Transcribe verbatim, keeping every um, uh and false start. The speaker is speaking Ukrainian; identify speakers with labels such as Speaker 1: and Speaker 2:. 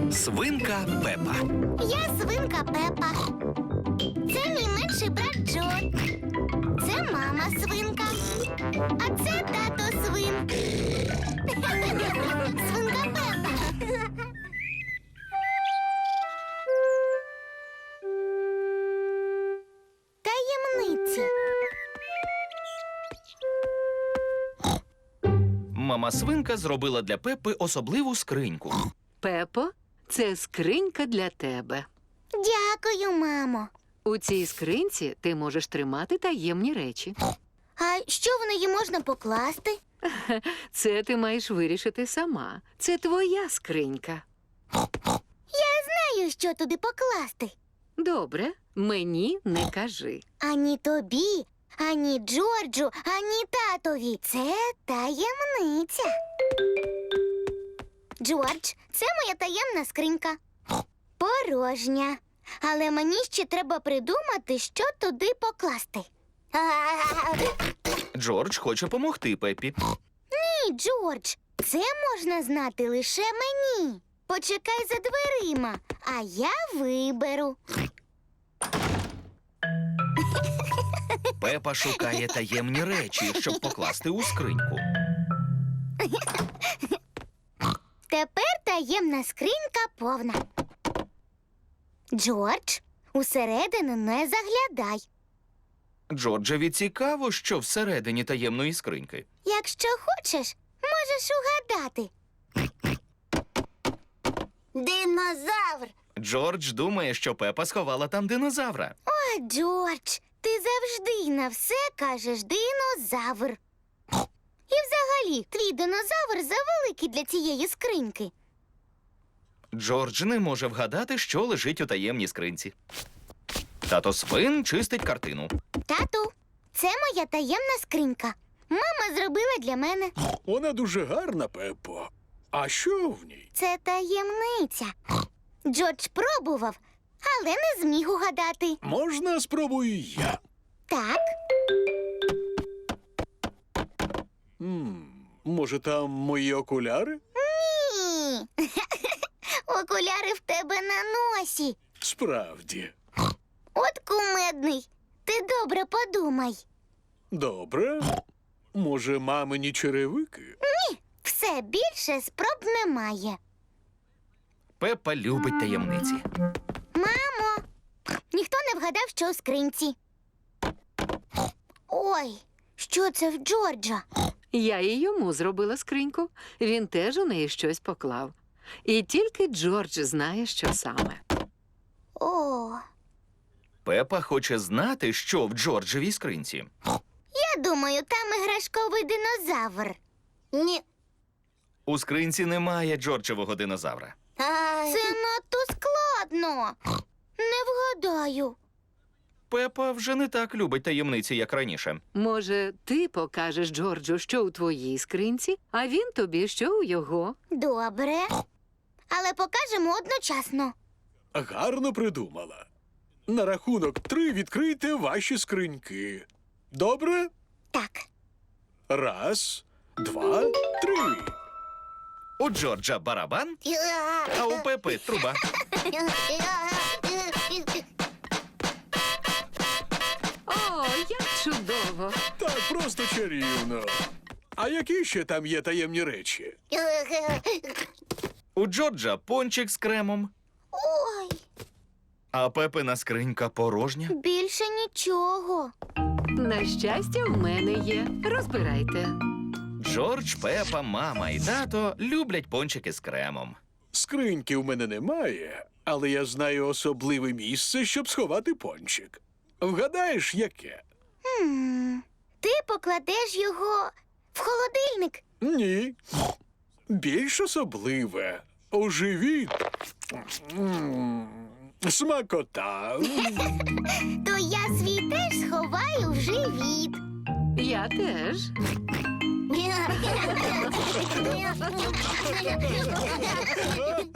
Speaker 1: Свинка Пепа.
Speaker 2: Я свинка Пепа. Це мій менший брат Джо. Це мама свинка. А це тато свин. Свинка Пепа. Таємниці.
Speaker 1: Мама свинка зробила для Пепи особливу скриньку.
Speaker 3: Пепо, це скринька для тебе.
Speaker 2: Дякую, мамо.
Speaker 3: У цій скринці ти можеш тримати таємні речі.
Speaker 2: А що в неї можна покласти?
Speaker 3: Це ти маєш вирішити сама. Це твоя скринька.
Speaker 2: Я знаю, що туди покласти.
Speaker 3: Добре, мені не кажи.
Speaker 2: Ані тобі, ані Джорджу, ані татові. Це таємниця. Джордж, це моя таємна скринька. Порожня. Але мені ще треба придумати, що туди покласти.
Speaker 1: Джордж хоче помогти Пепі.
Speaker 2: Ні, Джордж, це можна знати лише мені. Почекай за дверима, а я виберу.
Speaker 1: Пепа шукає таємні речі, щоб покласти у скриньку.
Speaker 2: Тепер таємна скринька повна. Джордж, усередину не заглядай.
Speaker 1: Джорджеві цікаво, що всередині таємної скриньки.
Speaker 2: Якщо хочеш, можеш угадати. Динозавр!
Speaker 1: Джордж думає, що Пепа сховала там динозавра.
Speaker 2: О, Джордж, ти завжди на все кажеш динозавр. І взагалі, твій динозавр завеликий для цієї скриньки.
Speaker 1: Джордж не може вгадати, що лежить у таємній скринці. Тато свин чистить картину.
Speaker 2: Тату, це моя таємна скринька. Мама зробила для мене.
Speaker 4: Вона дуже гарна, Пеппо. А що в ній?
Speaker 2: Це таємниця. Джордж пробував, але не зміг угадати.
Speaker 4: Можна спробую я?
Speaker 2: Так,
Speaker 4: М, може, там мої окуляри?
Speaker 2: ні. Окуляри в тебе на носі.
Speaker 4: Справді.
Speaker 2: От кумедний. Ти добре подумай.
Speaker 4: Добре. Може, мамині черевики?
Speaker 2: Все більше спроб немає.
Speaker 1: Пепа любить таємниці.
Speaker 2: Мамо, ніхто не вгадав, що у скринці. Ой, що це в Джорджа?
Speaker 3: Я і йому зробила скриньку. Він теж у неї щось поклав. І тільки Джордж знає, що саме.
Speaker 2: О,
Speaker 1: Пепа хоче знати, що в Джорджевій скринці.
Speaker 2: я думаю, там іграшковий динозавр. Ні.
Speaker 1: У скринці немає Джорджевого динозавра.
Speaker 2: Це надто складно. Не вгадаю.
Speaker 1: Пепа вже не так любить таємниці, як раніше.
Speaker 3: Може, ти покажеш Джорджу, що у твоїй скринці, а він тобі, що у його.
Speaker 2: Добре. Але покажемо одночасно.
Speaker 4: Гарно придумала. На рахунок три відкрийте ваші скриньки. Добре?
Speaker 2: Так.
Speaker 4: Раз, два, три.
Speaker 1: У Джорджа барабан, а у Пепи труба.
Speaker 3: О, як чудово!
Speaker 4: Так, просто чарівно. А які ще там є таємні речі?
Speaker 1: У Джорджа пончик з кремом,
Speaker 2: Ой,
Speaker 1: а Пепина скринька порожня.
Speaker 2: більше нічого.
Speaker 3: На щастя, в мене є. Розбирайте.
Speaker 1: Джордж, Пепа, мама і тато люблять пончики з кремом.
Speaker 4: Скриньки в мене немає, але я знаю особливе місце, щоб сховати пончик. Вгадаєш, яке?
Speaker 2: Хм. Ти покладеш його в холодильник.
Speaker 4: Ні. Більш особливе. У живіт. М, Смакота.
Speaker 2: То я свій теж сховаю в живіт.
Speaker 3: Я теж.
Speaker 2: Ха-ха-ха!